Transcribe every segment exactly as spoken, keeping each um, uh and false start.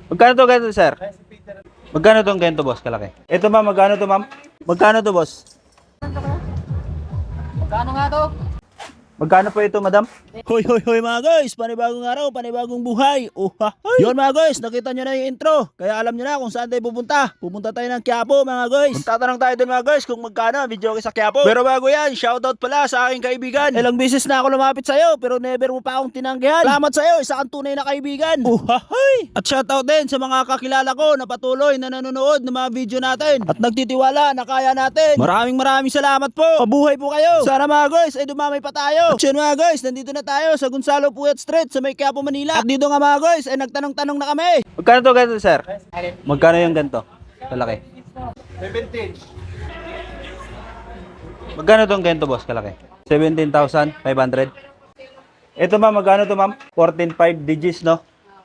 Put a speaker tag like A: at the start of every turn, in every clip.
A: Magkano to ganito, sir? Magkano tong ganito, boss? Kalaki. Ito ma'am, magkano to, ma'am? Magkano to, boss?
B: Magkano nga to?
A: Magkano po ito, madam? Hoy, hoy, hoy mga guys! Panibagong araw, panibagong buhay! Oh, ha, hoy. Yun mga guys, nakita nyo na yung intro. Kaya alam nyo na kung saan tayo pupunta. Pupunta tayo ng Quiapo mga guys. Magtatanong tayo dun mga guys kung magkano video sa Quiapo. Pero bago yan, shoutout pala sa aking kaibigan. Ilang beses na ako lumapit sa'yo pero never mo pa akong tinanggihan. Salamat sa'yo, isa kang tunay na kaibigan. Oh, ha, hoy. At shoutout din sa mga kakilala ko na patuloy na nanonood ng mga video natin. At nagtitiwala na kaya natin. Maraming maraming salamat po. Pabuhay po kayo. Sana mga guys ay dumamay pa tayo. At yun mga guys, nandito na tayo sa Gonzalo Puyat Street sa may Quiapo, Manila. At dito nga mga guys ay nagtanong-tanong na kami. Magkano to ganito, sir? Magkano yung ganito? Kalaki.
C: seventeen.
A: Magkano tong ganito, boss? Kalaki. seventeen thousand five hundred. Ito ma'am, magkano to ma'am? fourteen point five digits, no?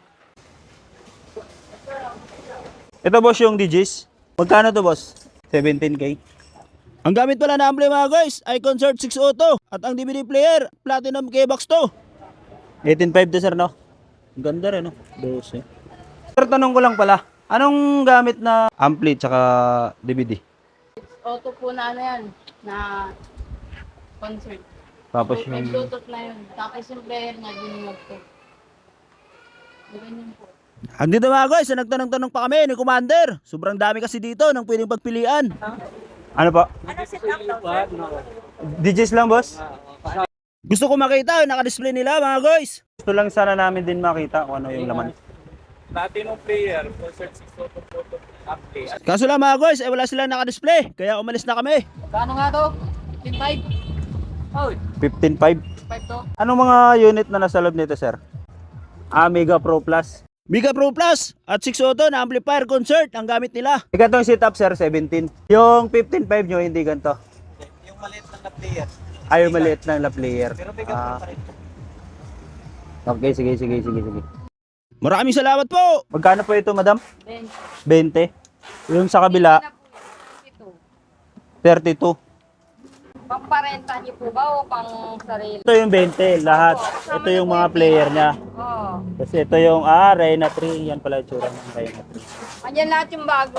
A: Ito boss yung digits. Magkano to boss? seventeen K. Ang gamit pala na ampli mga guys ay Concert six Auto at ang D V D player Platinum K-Box to. eighteen point five to sir, no? Ang ganda rin, no? twelve. Sir, tanong ko lang pala, anong gamit na ampli tsaka D V D?
B: Auto po na ano yan, na concert.
A: Tapos
B: May
A: yung...
B: Bluetooth na yun. Tapos yung player niya, dinunod ko. Ganyan po.
A: Andito mga guys, nagtanong-tanong pa kami ni Commander. Sobrang dami kasi dito ng pwedeng pagpilian. Ano pa?
B: Ano set up daw, sir?
A: Digits lang, boss. Gusto ko makita yung naka-display nila mga guys. Gusto lang sana namin din makita kung ano yung laman.
C: Platinum player, concert six photo photo update.
A: Kaso lang mga guys, eh, wala silang naka-display. Kaya umalis na kami.
B: Magkano nga to? fifteen point five? Oh,
A: fifteen point five.
B: five to.
A: Anong mga unit na nasa loob nito, sir? Ah, Mega Pro Plus. Mega Pro Plus at six Auto na amplifier concert ang gamit nila. Ikatong setup, sir, seventeen. Yung fifteen point five nyo, hindi ganito.
C: Yung maliit lang na player.
A: Ay, yung maliit lang na player.
C: Pero bigyan
A: Ah,
C: pa rin.
A: okay, sige, sige, sige, sige. Maraming salamat po. Magkano po ito, madam?
B: Then,
A: twenty. Yung sa kabila,
B: ito.
A: thirty-two.
B: Pamparenta niyo po ba o pang sarili?
A: Ito yung twenty, lahat. Ito yung mga player niya.
B: Oo.
A: Kasi ito yung, ah, Reyna three. Yan pala yung tsura ng Reyna three.
B: Andiyan lahat yung bago.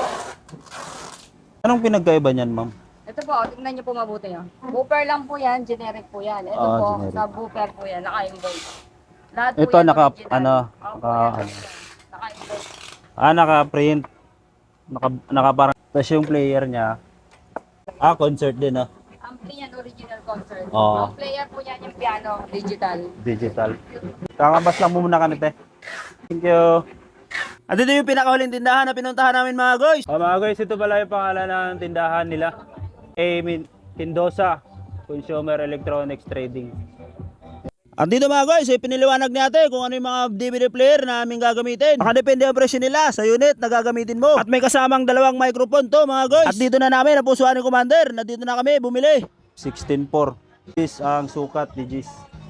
A: Anong pinagkaiba niyan, ma'am?
B: Ito po, tingnan niyo po mabuti yan. Booper lang po yan, generic po yan. Ito
A: Ah,
B: po,
A: generic.
B: sa booper po yan, naka-invoice. Lahat po
A: Ito,
B: yan
A: naka,
B: original.
A: ano,
B: Opo,
A: naka,
B: yan,
A: ano.
B: naka-invoice.
A: Ah, naka-print. Naka, naka parang, tapos yung player niya, ah, concert din, ah.
B: Ampli yan, original concert.
A: Oo.
B: Ang player po yan yung piano, digital.
A: Digital. Kakabas lang muna kami, te. Thank you. At ito yung pinakahuling tindahan na pinuntahan namin mga guys. Oh, mga guys, ito pala yung pangalan ng tindahan nila. A. Mendoza Consumer Electronics Trading. At dito mga guys, ay piniliwanag natin kung ano yung mga D V D player na aming gagamitin. Nakadepende ang presyo nila sa unit na gagamitin mo. At may kasamang dalawang microphone to mga guys. At dito na namin napusuan ni Commander na dito na kami bumili. sixteen four. This ang sukat ni Gis.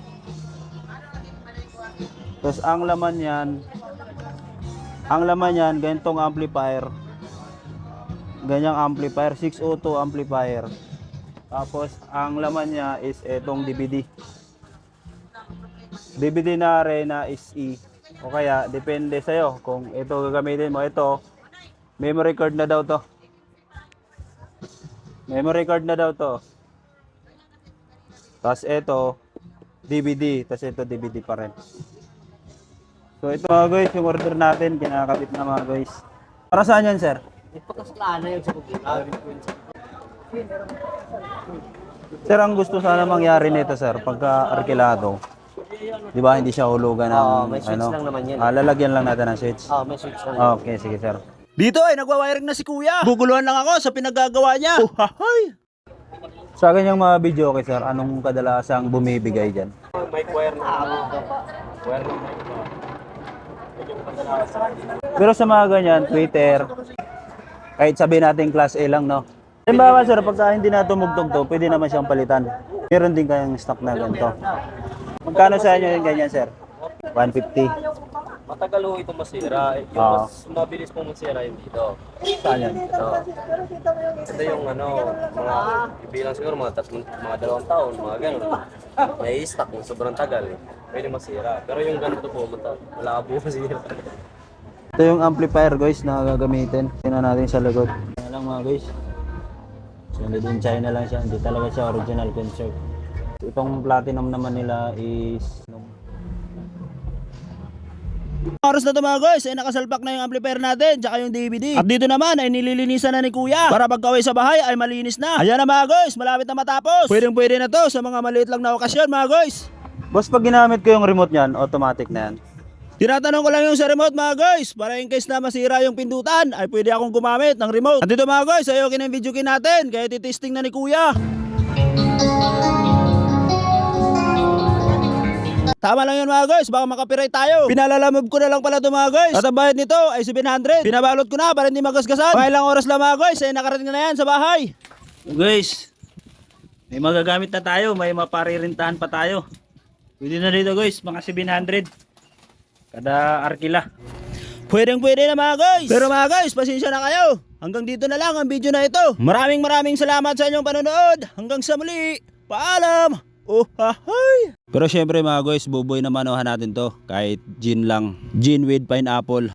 A: Tapos ang laman yan, ang laman yan, ganitong amplifier. Ganyang amplifier, six oh two amplifier. Tapos ang laman niya is etong D V D. D V D na Reyna S E. O kaya, depende sa'yo kung ito gagamitin mo. Ito, memory card na daw to. Memory card na daw to. Tapos ito, D V D. Tapos ito, D V D pa rin. So ito mga guys, yung order natin, kinakabit na mga guys. Para saan yan, sir?
B: Ipagkasalaan na yun sa computer.
A: Sir, ang gusto sana mangyari nito, sir, pagka arkilado, di ba, hindi siya hulugan ng,
D: Oo, may switch
A: ano,
D: lang naman yan.
A: ah, lalagyan lang natin ng switch.
D: Oh, may switch na.
A: Okay, sige, sir. Dito ay nagwa-wiring na si kuya. Guguluhan lang ako sa pinaggagawa niya. Oh, hahay. Sa akin yung mga video, okay, sir, anong kadalasang bumibigay dyan?
C: Mic wire na ano. Wire na mic.
A: Pero sa mga ganyan, Twitter, kahit sabihin natin class A lang, no? Halimbawa, sir, pagka hindi na tumugtog to, pwede naman siyang palitan. Meron din kayong stock na ganito. Magkano sa inyo yung ganyan, sir? one fifty.
C: Matagal ho ito masira. Yung
A: Oo.
C: mas mabilis pong masira yung dito.
A: Saan yan?
C: Ito. Ito yung ano, mga ibilang siguro mga tatlong, mga dalawang taon, mga ganun. May stock kung sobrang tagal. Pwede masira. Pero yung ganito po, mata, malabo masira.
A: Ito yung amplifier guys na gagamitin. Tingnan natin sa likod. Yan lang mga guys. So made in China lang siya. Hindi talaga siya original concert. Itong platinum naman nila is oras na ito mga guys, ay nakasalpak na yung amplifier natin tsaka yung D V D. At dito naman ay nililinisan na ni Kuya para pagka-uwi sa bahay ay malinis na. Ayan na mga guys, malapit na matapos. Pwedeng pwede na to sa mga maliit lang na okasyon mga guys. Boss, pag ginamit ko yung remote niyan, automatic na yan. Tinatanong ko lang yung sa remote mga guys, para in case na masira yung pindutan ay pwede akong gumamit ng remote. At dito mga guys, ayokin ang video kin natin kaya titesting na ni Kuya. Tama lang yun mga guys, baka makapiright tayo. Pinalalamove ko na lang pala ito mga guys. At ang bayad nito ay seven hundred. Pinabalot ko na para hindi magasgasan. Mga ilang oras lang mga guys, ay nakarating na yan sa bahay. Guys, may magagamit na tayo, may maparirintahan pa tayo. Pwede na dito guys, mga seven hundred. Kada arkila. Pwedeng pwede na mga guys. Pero mga guys, pasensya na kayo. Hanggang dito na lang ang video na ito. Maraming maraming salamat sa inyong panonood. Hanggang sa muli. Paalam. Oh, hahay. Pero syempre mga guys, buboy na manuhan natin to. Kahit gin lang. Gin with pineapple.